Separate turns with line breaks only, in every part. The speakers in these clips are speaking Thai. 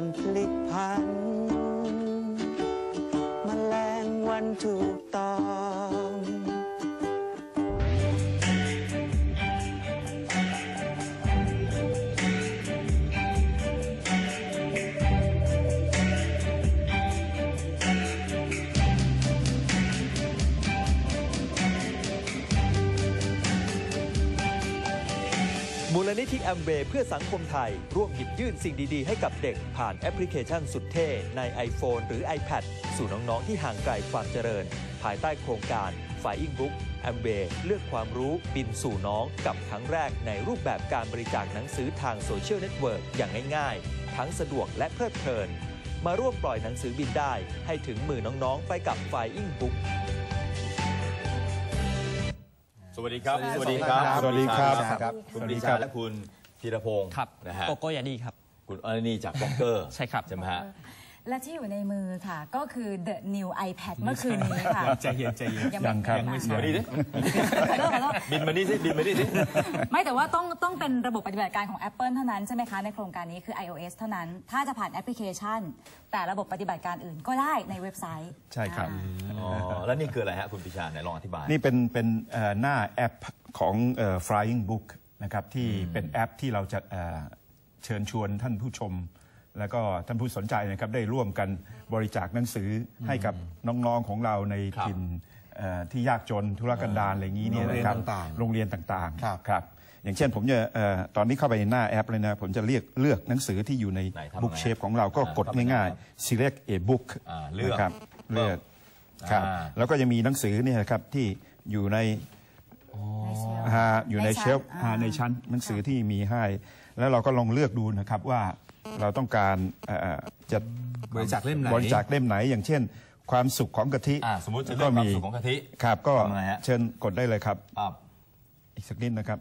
พลิกผันแมลงวันถูกต้อง
มูลนิธิแอมเวย์เพื่อสังคมไทยร่วมหยิบยื่นสิ่งดีๆให้กับเด็กผ่านแอปพลิเคชันสุดเท่ใน iPhone หรือ iPad สู่น้องๆที่ห่างไกลความเจริญภายใต้โครงการ Flying Book แอมเวย์เลือกความรู้บินสู่น้องกับครั้งแรกในรูปแบบการบริจาคหนังสือทางโซเชียลเน็ตเวิร์กอย่างง่ายๆทั้งสะดวกและเพลิดเพลินมาร่วมปล่อยหนังสือบินได้ให้ถึงมือน้องๆไปกับ Flying Book
สวัสดีครับสวัสดีครับ
สวัสดีครับ
คุณปรีชาและคุณธีรพงศ์นะฮะ
โกโก้ยาดีครับ
คุณนี่จากบล็อกเกอร์
ใช่ครับ
ใช่ไหมฮะ
และที่อยู่ในมือค่ะก็คือ The New iPad เมื่อคืนนี้ค่ะ
ใจเย็นใจเย็น
ยังครับ
บินมาดิบินมาดิสิบินมาดิสิ
ไม่แต่ว่าต้องเป็นระบบปฏิบัติการของ Apple เท่านั้นใช่ไหมคะในโครงการนี้คือ iOS เท่านั้นถ้าจะผ่านแอปพลิเคชันแต่ระบบปฏิบัติการอื่นก็ได้ในเว็บไซต์
ใช่ครับ
แล้วนี่คืออะไรฮะคุณปรีชาไหนลองอธิบาย
นี่เป็นหน้าแอปของ Flying Book นะครับที่เป็นแอปที่เราจะเชิญชวนท่านผู้ชมแล้วก็ท่านผู้สนใจนะครับได้ร่วมกันบริจาคหนังสือให้กับน้องๆของเราในถิ่นที่ยากจนทุรกันดารอะไรอย่างนี้เนี่ยนะครับโรงเรียนต่างๆครับอย่างเช่นผมจะตอนนี้เข้าไปในหน้าแอปเลยนะผมจะเลือกหนังสือที่อยู่ใน Book Shape ของเราก็กดง่ายๆ Select a Book นะครับเลือกครับแล้วก็จะมีหนังสือเนี่ยครับที่อยู่ในเชลฟ์ในชั้นหนังสือที่มีให้แล้วเราก็ลองเลือกดูนะครับว่าเราต้องการจะ
บริจาคเล่ม
ไหนอย่างเช่นความสุขของกะทิ
สมมติจะเลือกความสุขของกะทิ
ครับก็เชิญกดได้เลยครับอีกสักนิดนะครับ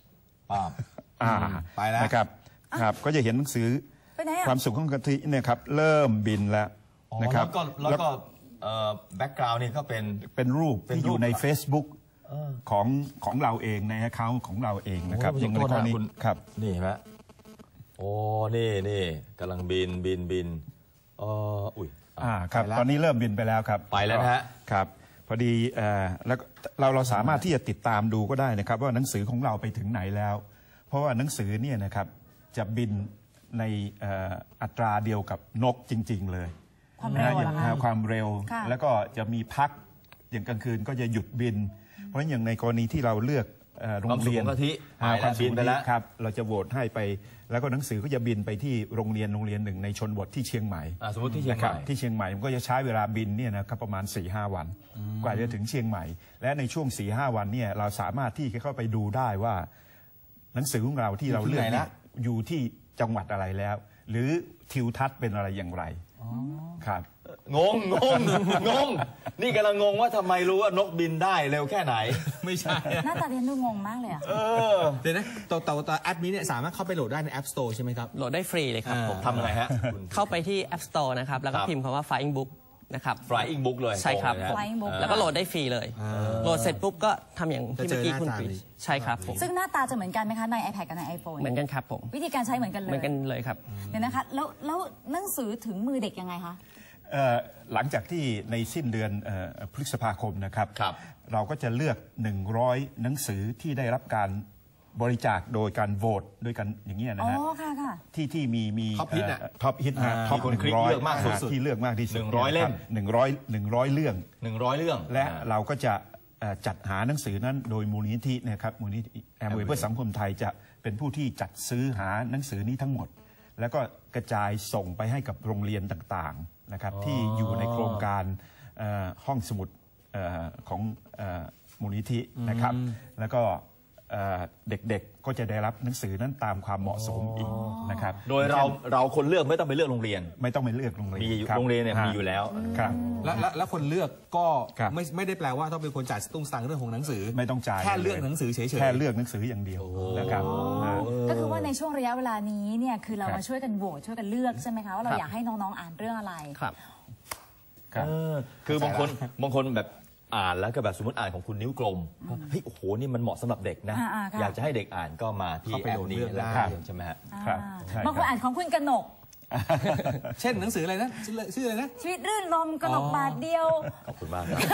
ไปแล้ว
นะครับก็จะเห็นหนังสือความสุขของกะทิเนี่ยครับเริ่มบินแล้วนะครับ
แล้วก็แบ็กกราวน์นี่ก็
เป็นรูปที่อยู่ใน Facebook ของเราเองในแอคเคาท์ของเราเองนะครับ
อย่างในกรณีครับนี่ฮะโอ้นี่กำลังบินอุ้ย
ครับตอนนี้เริ่มบินไปแล้วครับ
ไปแล้วนะฮะ
ครับพอดีแล้วเราสามารถที่จะติดตามดูก็ได้นะครับว่าหนังสือของเราไปถึงไหนแล้วเพราะว่าหนังสือเนี่ยนะครับจะบินในอัตราเดียวกับนกจริงๆเลยความเร็วแล้วก็จะมีพักอย่างกลางคืนก็จะหยุดบินเพราะอย่างในกรณีที่เราเลือกโรงเรียน
ความบินไปแล้ว
ครับเราจะโหวตให้ไปแล้วก็หนังสือก็จะบินไปที่โรงเรียนหนึ่งในชนบทที่เชียงใหม่
สมมติที่เชียงใหม่
มันก็จะใช้เวลาบินเนี่ยนะครับประมาณ 4-5 วันกว่าจะถึงเชียงใหม่และในช่วง 4-5 วันเนี่ยเราสามารถที่จะเข้าไปดูได้ว่าหนังสือของเราที่เราเลือกอยู่ที่จังหวัดอะไรแล้วหรือทิวทัศน์เป็นอะไรอย่างไรครับ
งงนี่กำลังงงว่าทำไมรู้ว่านกบินได้เร็วแค่ไหน
ไม่ใช่
หน้าตาเรียนดูงงมากเลยอ่ะ
เดี๋ยวนะตัวแอปนี้เนี่ยสามารถเข้าไปโหลดได้ใน App Store ใช่ไหมครับ
โหลดได้ฟรีเลยครับผม
ทำอะไรฮะ
เข้าไปที่ App Store นะครับแล้วก็พิมพ์คำว่า Flying Book นะครับ
Flying Book เลย
ใช่ครับแล้วก็โหลดได้ฟรีเลยโหลดเสร็จปุ๊บก็ทำอย่างที่เมื่อกี้คุณปีใช่ครับผม
ซึ่งหน้าตาจะเหมือนกันไหมคะใน iPad กับใน iPhone
เหมือนกันครับผม
วิธีการใช้เหมือนกัน
เลยครับ
เดี๋ยวนะคะแล้วหนังสือถึงมือเด็กยังไงคะ
หลังจากที่ในสิ้นเดือนพฤษภาคมนะครับเราก็จะเลือก100หนังสือที่ได้รับการบริจาคโดยการโหวตด้วยกันอย่างนี้นะฮะที่มีท็อปฮิตท็อป100เลือกมากสุดที่เลือกมากที่สุด
100เล่ม
100เรื่องและเราก็จะจัดหาหนังสือนั้นโดยมูลนิธินะครับมูลนิธิแอมเวย์เพื่อสังคมไทยจะเป็นผู้ที่จัดซื้อหาหนังสือนี้ทั้งหมดแล้วก็กระจายส่งไปให้กับโรงเรียนต่างๆนะครับที่อยู่ในโครงการห้องสมุดของมูลนิธินะครับแล้วก็เด็กๆก็จะได้รับหนังสือนั้นตามความเหมาะสมอีกนะครับ
โดยเราคนเลือกไม่ต้องไปเลือกโรงเรียน
ไม่ต้องไปเลือกโรงเรียน
มีโรงเรียนเนี่ยมีอยู่แล้ว
ครับ
แล้วคนเลือกก็ไม่ได้แปลว่าต้องเป็นคนจ่ายตุ้งสังเรื่องของหนังสือ
ไม่ต้องจ่าย
แค่เลือกหนังสือเฉยๆ
แค่เลือกหนังสืออย่างเดียวนะครับ
ก็คือว่าในช่วงระยะเวลานี้เนี่ยคือเรามาช่วยกันโหวตช่วยกันเลือกใช่ไหมคะว่าเราอยากให้น้องๆอ่านเรื่องอะไร
ครับ
คือบางคนแบบอ่านแล้วก็แบบสมมติอ่านของคุณนิ้วกลมเฮ้ยโอ้โหนี่มันเหมาะสำหรับเด็กนะอยากจะให้เด็กอ่านก็มาที่แอปนี้แล้วใช่ไหมฮะ
บางคนอ่านของคุณกนก
เช่นหนังสืออะไรนะชื่ออะไรนะ
ชีวิตรื่นรมย์กนกบาทเดียว
ขอบคุณมากครับ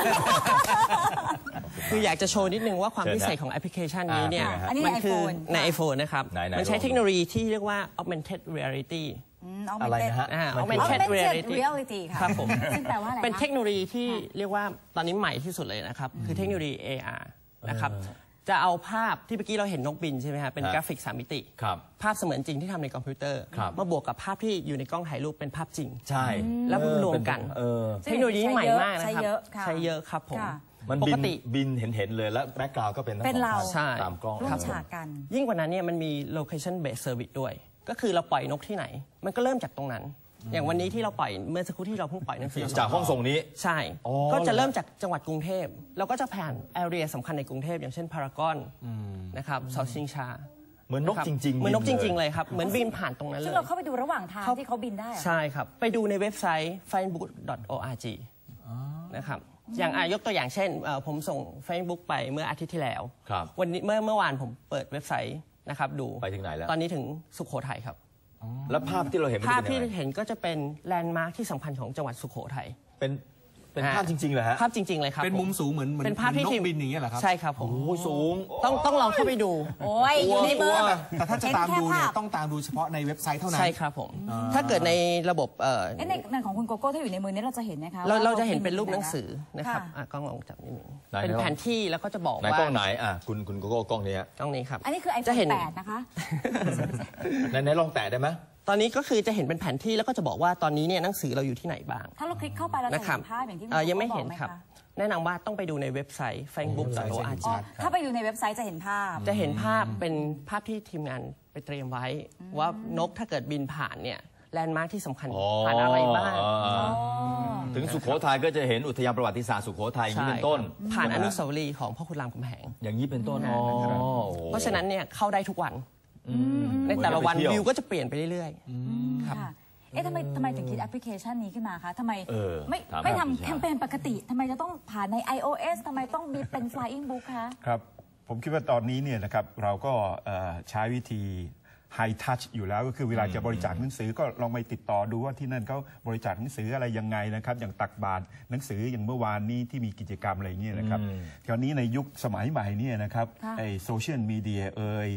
คืออยากจะโชว์นิดนึงว่าความ
เชิญนะ
พิเศษของแอปพลิเคชันนี้เนี่ย
อันนี้ใน
มัคื
iPhone
ใน iPhone นะครับ
ไหนๆ
มันใช้
ลอง
เทคโนโลยีที่เรียกว่า augmented reality
อะไรนะฮะ
augmented reality
reality ค่ะ
ครับผม
ซึ่งแปลว่าอะไรคะ
เป็นเทคโนโลยีที่เรียกว่าตอนนี้ใหม่ที่สุดเลยนะครับ คือเทคโนโลยี AR นะครับจะเอาภาพที่เมื่อกี้เราเห็นนกบินใช่ไหมฮะเป็นกราฟิก3 มิติ
ครับ
ภาพเสมือนจริงที่ทำในคอมพิวเตอร์
ครับ
มาบวกกับภาพที่อยู่ในกล้องถ่ายรูปเป็นภาพจริง
ใช่
แล้วรวมกัน เทคโนโลยีใหม่มากนะครับ
ใช้เยอะค่ะ
ใช้เยอะครับผม
ค่ะ
มัน
ป
บิ
ก
น
ติ
บินเห็นเลยแล้วแบ็กกราวด์ก็เป็นทั้ง
เป็น
สอง
เรา
ท่าน
ใช่
ตามกล้อง
ร่ว
ครั
ม
บ
ฉากกัน
ยิ่งกว่านั้นเนี่ยมันมี location based service ด้วย ก็คือเราปล่อยนกที่ไหน มันก็เริ่มจากตรงนั้น อย่างวันนี้ที่เราปล่อยเมื่อสักครู่ที่เราเพิ่งปล่อยหนังสือ
จากห้องส่งนี้
ใช่
อ๋อ
ก็จะเริ่มจากจังหวัดกรุงเทพเราก็จะผ่านแอเรียสำคัญในกรุงเทพอย่างเช่นพารากอนนะครับเสาชิงชา
เหมือนนกจริงๆ
เหมือนนกจริง ๆ
เลย
เลยครับ เหมือนบินผ่านตรงนั้นเล
ซึ่ง
ย
เราเข้าไปดูระหว่างทางที่เขาบินได้เหรอ
ใช่ครับ ไปดูในเว็บไซต์ facebook.org นะครับอย่างยกตัวอย่างเช่นผมส่ง Facebook ไปเมื่ออาทิตย์ที่แล้ว
ครับ
วันนี้เมื่อวานผมเปิดเว็บไซต์นะครับดู
ไปถึงไหนแล้ว
ตอนนี้ถึงสุโขทัยครับ
แล้วภาพที่เราเห็นมัน
ภาพ
เป็น
ที่
ยังไง
เห็นก็จะเป็นแลนด์มาร์คที่สำคัญของจังหวัดสุโขทัย
เป็นภาพจริงๆเหรอฮะ
ภาพจริง ๆ เลยครับ
เป็นมุมสูงเหมือน
เป็นภาพที่
นกบินอย่างเงี้ยเหรอครับ
ใช่ครับผม
โอ้ยสูง
ต้องลองเข้าไปดู
โอ้ยอยู่ในมือ
แต่ถ้าจะตามดูเนี่ย
เห็นแค่ภาพ
ต้องตามดูเฉพาะในเว็บไซต์เท่านั้น
ใช่ครับผม ถ้าเกิดในระบบ
ในของคุณโกโก้ถ้าอยู่ในมือนี้เราจะเห็นนะคะว่
เราจะเห็นเป็นรูปหนังสือนะครับ
ค่ะ
กล้องลองจับนิดนึง
ไหน
เป็นแผนที่แล้วก็จะบอก
ไหน
ว่าก
ล้องไหนคุณโกโก้กล้องนี้ฮะ
กล้องนี้ครับ
อันนี้คือ
จะ
iPhone
เห็น
8 นะคะ
ไหนลองแตะได้ไหม
ตอนนี้ก็คือจะเห็นเป็นแผนที่แล้วก็จะบอกว่าตอนนี้เนี่ยหนังสือเราอยู่ที่ไหนบ้าง
ถ้าเราคลิกเข้าไปเราจะ
นะครั
เห็
บ
นภาพอย่างที่
ยังไม่
โกโก้
เห็น
บอก
ครับ
ไหมะ
แนะนำว่าต้องไปดูในเว็บไซต์ facebook.org
อ๋อถ้าไปดูในเว็บไซต์จะเห็นภาพ
จะเห็นภาพเป็นภาพที่ทีมงานไปเตรียมไว้ ว่านกถ้าเกิดบินผ่านเนี่ยแลนด์มาร์คที่สำคัญผ่านอะไรบ้าง
ถึงสุโขทัยก็จะเห็นอุทยานประวัติศาสตร์สุโขทัยอย่างนี้เป็นต้น
ผ่านอนุสาวรีย์ของพ่อขุนรามคำแหง
อย่างนี้เป็นต้นอ๋อโอ้โห
เพราะฉะนั้นเนี่ยเข้าได้ทุกวัน ในแต่ละวัน
เหมือนไปเที่ยว
วิวก็จะเปลี่ยนไปเรื่อยๆครับ
ค่ะเอ๊ะทำไมถึงคิดแอปพลิเคชันนี้ขึ้นมาคะทำไม ไม่
ถาม
ไม่
ครับ
ทำแคมเปญปกติทำไมจะต้องผ่านใน iOS ทำไมต้องมีเป็น Flying Book คะ
ครับผมคิดว่าตอนนี้เนี่ยนะครับเราก็ใช้วิธี High Touch อยู่แล้วก็คือเวลาจะบริจาคหนังสือก็ลองไปติดต่อดูว่าที่นั่นเขาบริจาคหนังสืออะไรยังไงนะครับอย่างตักบาตรหนังสืออย่างเมื่อวานนี้ที่มีกิจกรรมอะไรอย่างเงี้ยนะครับคราวนี้ในยุคสมัยใหม่เนี่ยนะครับ
ค่ะ
ไอโซเชียลมีเดีย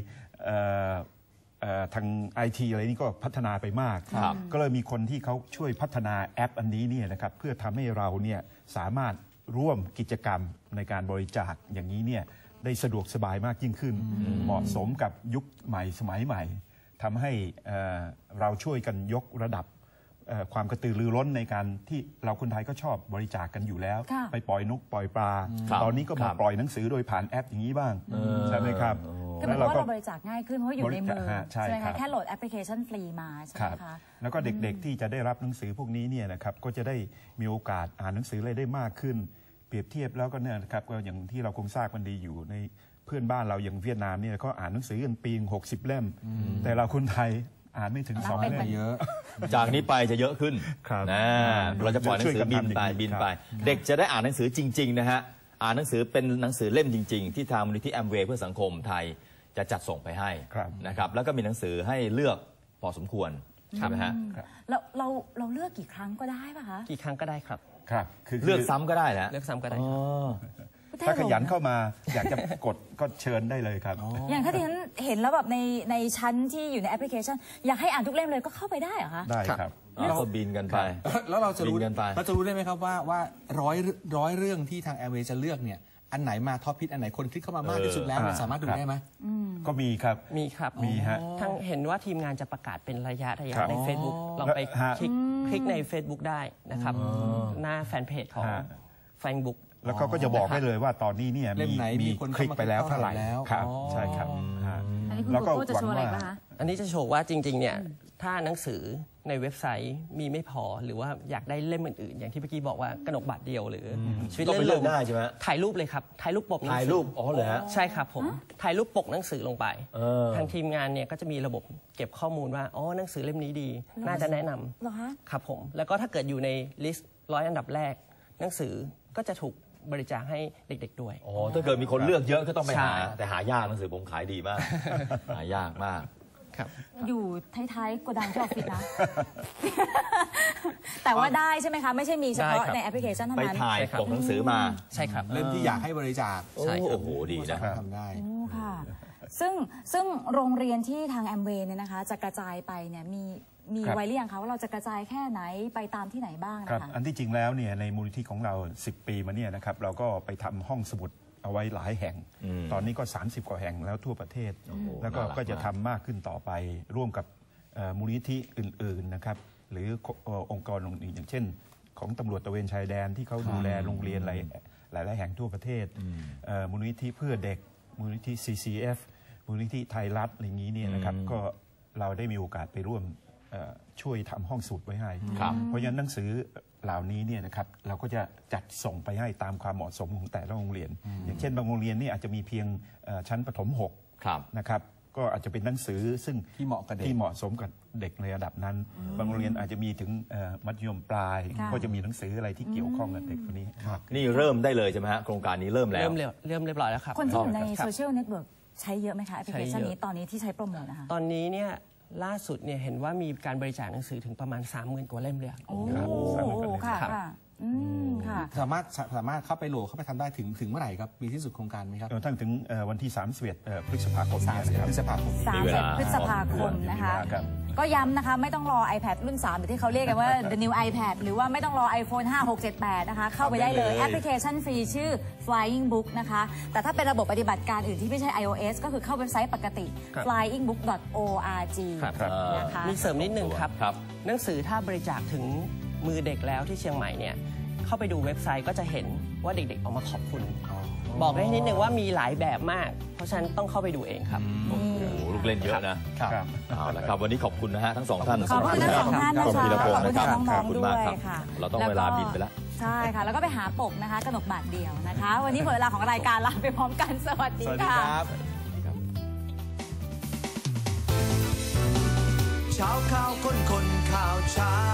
ทางไอทีอะไรนี่ก็พัฒนาไปมาก ก็เลยมีคนที่เขาช่วยพัฒนาแอปอันนี้เนี่ยนะครับเพื่อทำให้เราเนี่ยสามารถร่วมกิจกรรมในการบริจาคอย่างนี้เนี่ยได้สะดวกสบายมากยิ่งขึ้น เหมาะสมกับยุคใหม่สมัยใหม่ทำให้เราช่วยกันยกระดับความกระตือรือร้นในการที่เราคนไทยก็ชอบบริจาคกันอยู่แล้ว
ค่ะ
ไปปล่อยนกปล่อยปลา
ครับ
ตอนนี้ก็มา
ครับ
ปล่อยหนังสือโดยผ่านแอปอย่างนี้บ้างใช่ไหมครับ
ก็เป็นเพราะว่าเราบริจาคง่ายขึ้นเพราะอยู่ในมือ
ใช่
ไหม
ครั
คะ
บ
แค่โหลดแอปพลิเคชันฟรีมาใช่ไห
ค
ม
รับ
คะ
แล้วก็เด็กๆที่จะได้รับหนังสือพวกนี้เนี่ยนะครับก็จะได้มีโอกาสอ่านหนังสืออะไรได้มากขึ้น เปรียบเทียบแล้วก็เนี่ยนะครับก็อย่างที่เราคงทราบกันดีอยู่ในเพื่อนบ้านเราอย่างเวียดนามเนี่ยก็อ่านหนังสือกันปี60 เล่ม แต่เราคนไทยอ่านไม่ถึง2 เล่ม
เยอะ
จากนี้ไปจะเยอะขึ้น
ครับ
นะเราจะปล่อยหนังสือบินไป
ช่วยกันทำอย่างนี้
บินไป
ครับ
เด็กจะได้อ่านหนังสือจริงๆนะฮะอ่านหนังสือเป็นหนังสือเล่มจริง ๆ ที่ทางมูลนิธิแอมเวย์เพื่อสังคมไทยจะจัดส่งไปให้
ครับ
นะครับแล้วก็มีหนังสือให้เลือกพอสมควรใช่ไหมฮะ
เราเลือกกี่ครั้งก็ได้ป่ะคะ
กี่ครั้งก็ได้ครับ
ครับคือ
เลือกซ้ำก็ได้นะ
เลือกซ้ำก็ได้
อ๋อ
ครับ
ถ้าขยันเข้ามาอยากจะกดก็เชิญได้เลยครับ
อย่างถ้าที่ฉันเห็นแล้วแบบในชั้นที่อยู่ในแอปพลิเคชัน อยากให้อ่านทุกเล่มเลยก็เข้าไปได้เหรอคะ
ได้ครับ
เราก็บินกันไป
แล้วเราจะรู้
บินกันไป
ได้ไหมครับว่าร้อยเรื่องที่ทางแอร์เวย์จะเลือกเนี่ยอันไหนมาท็อปฮิตอันไหนคนคลิกเข้ามามากที่สุดแล้วเราสามารถดูได้ไหม
ก็มีครับ
มีครับ
มีฮะ
ทั้งเห็นว่าทีมงานจะประกาศเป็นระยะ
ครับ
ใน Facebook ลองไป
ฮะ
คลิกใน Facebook ได้นะครับ หน้าแฟนเพจของ
ฮะ
Facebook
แล้วก็จะบอกได้เลยว่าตอนนี้เนี่ย
เล่มไหนมีคน
คลิกไปแล้วเท่าไหร่
เข้ามาแล้ว
ครับ
อ๋อ
ใช่ครับฮะ
อันนี้คุณ
แล้ว
โก
ก็
โก้จะ
หวั
โช
ง
ว์อะไร
ว่า
ป่ะคะ
อันนี้จะโชว์ว่าจริงๆเนี่ยถ้าหนังสือในเว็บไซต์มีไม่พอหรือว่าอยากได้เล่มอื่นๆ อย่างที่เมื่อกี้บอกว่ากนกบาทเดียวหรือชีวิต
ก็ไป
เล่น
เลื
ล
อก
ม
ได้ใช่ไหม
ถ่ายรูปเลยครับถ่ายรูปปกหนัง
ถ่าย
สื
รูปอ๋อเหรอฮะ
ใช่ครับผมถ่ายรูปปกหนังสือลงไป
เออ
ทางทีมงานเนี่ยก็จะมีระบบเก็บข้อมูลว่าอ๋อหนังสือเล่มนี้ดี น่าจะแนะนำ
เหรอคะ
ครับผมแล้วก็ถ้าเกิดอยู่ในลิสต์100 อันดับแรก หนังสือก็จะถูกบริจาคให้เด็กๆด้วย
อ๋อถ้าเกิดมีคนเลือกเยอะก็ต้องไป
ใช่
หาแต่หายากหนังสือผมขายดีมาก หายากมาก
ครับ
อยู่ท้ายๆโกดังที่ออฟฟิศนะ แต่ว่าได้ใช่ไหมคะ ไม่ใช่มีเฉพาะ
ได้ครับ
ในแอปพลิเคชันเท่า
ไป
นั้น
ถ่ายปกหนังสือมา
ใช่ครับ
เล่มที่อยากให้บริจาค
ใช่ครับ
โอ้โหดีนะ
ทำได้
โอ้ค่ะซึ่งโรงเรียนที่ทางแอมเวย์เนี่ยนะคะจะกระจายไปเนี่ยมี
ครับ
ไว้หรือยังคะว่าเราจะกระจายแค่ไหนไปตามที่ไหนบ้าง
ครับ
นะคะ
อันที่จริงแล้วเนี่ยในมูลนิธิของเรา 10 ปีมาเนี่ยนะครับเราก็ไปทำห้องสมุดเอาไว้หลายแห่ง ตอนนี้ก็ 30 กว่าแห่งแล้วทั่วประเทศ แล้วก็
น่ารัก
ก็จะทำมากขึ้นต่อไปร่วมกับมูลนิธิอื่นๆนะครับหรือองค์กรอื่นๆอย่างเช่น ของตำรวจตระเวนชายแดนที่เขาดูแลโรงเรียนหลายๆแห่งทั่วประเทศมูลนิธิเพื่อเด็กมูลนิธิ CCF มูลนิธิไทยรัฐอะไรอย่างนี้เนี่ยนะครับก็เราได้มีโอกาสไปร่วมช่วยทำห้องสมุดไว้ให้
ครับ
เพราะฉะนั้นหนังสือเหล่านี้เนี่ยนะครับเราก็จะจัดส่งไปให้ตามความเหมาะสมของแต่ละโรงเรียน อย่างเช่นบางโรงเรียนนี่อาจจะมีเพียงชั้นประถม
ครับ
6นะครับก็อาจจะเป็นหนังสือซึ่ง
ที่เหมาะกับเด็ก
ที่เหมาะสมกับเด็กในระดับนั้น บางโรงเรียนอาจจะมีถึงมัธยมปลาย
ค่ะ
ก็จะมีหนังสืออะไรที่เกี่ยวข้องกับเด็กคนนี้มาก
นี่เริ่มได้เลยใช่ไหมฮะโครงการนี้เริ่มแล้ว
เริ่มเรียบร้อยแล้วครับ
คนที่อยู่ใน
ครับ
โซเชียลเน็ตเวิร์กใช้เยอะไหมคะแอปพลิเคชัน
ใช้เยอะ
นี้ตอนนี้ที่ใช้โปรโมทนะคะ
ตอนนี้เนี่ยล่าสุดเนี่ยเห็นว่ามีการบริจาคหนังสือถึงประมาณ 30,000 กว่าเล่มเลยอะ
โอ้
ครับสามหมื่นกว่าเล่ม
ค่ะ
ครับ
ค่ะค่ะ
สามารถเข้าไปโหลดเข้าไปทำได้ถึงเมื่อไหร่ครับมีที่สุดโครงการไหมครับ
ทั้งถึงวันที่31พฤษภาคมนี้นะครับ
พฤษภาคม
มีเวลา
30 พฤษภาคมนะคะ
ครับ
ก็ย้ำนะคะไม่ต้องรอ iPad รุ่น 3 หรือที่เขาเรียกกันว่า the new iPad หรือว่าไม่ต้องรอ iPhone 5 6 7 8 นะคะ เข้าไปได้เลย แอปพลิเคชันฟรีชื่อ Flying Book นะคะ แต่ถ้าเป็นระบบปฏิบัติการอื่นที่ไม่ใช่ iOS ก็คือเข้าเว็บไซต์ปกติ
ครับ
flyingbook.org
ครับ
นะคะ
มีเสริมนิดนึงครับ
ครับ
หนังสือถ้าบริจาคถึงมือเด็กแล้วที่เชียงใหม่เนี่ยเข้าไปดูเว็บไซต์ก็จะเห็นว่าเด็กๆออกมาขอบคุณ บอกได้นิดนึงว่ามีหลายแบบมาก เพราะฉะนั้นต้องเข้าไปดูเองครับ
โอ้โหลูกเล่นเยอะนะ
ครับ
เอาละครับวันนี้ขอบคุณนะฮะทั้งสองท่าน
ขอบคุณทั้งสองท่าน
ขอบคุณ
นะคะ
พีรพงศ์นะครับ
ขอบคุณน้องๆ
ขอบคุณมากครับ
ด้วยค่ะ
เราต้องเวลาบินไปแล้ว
ใช่ค่ะ แล้วก็ไปหาปกนะคะกนกบาทเดียวนะคะ วันนี้หมดเวลาของรายการลาไปพร้อมกันสวัสดีค่ะ
เช้าข่าวคนข่าวเช้า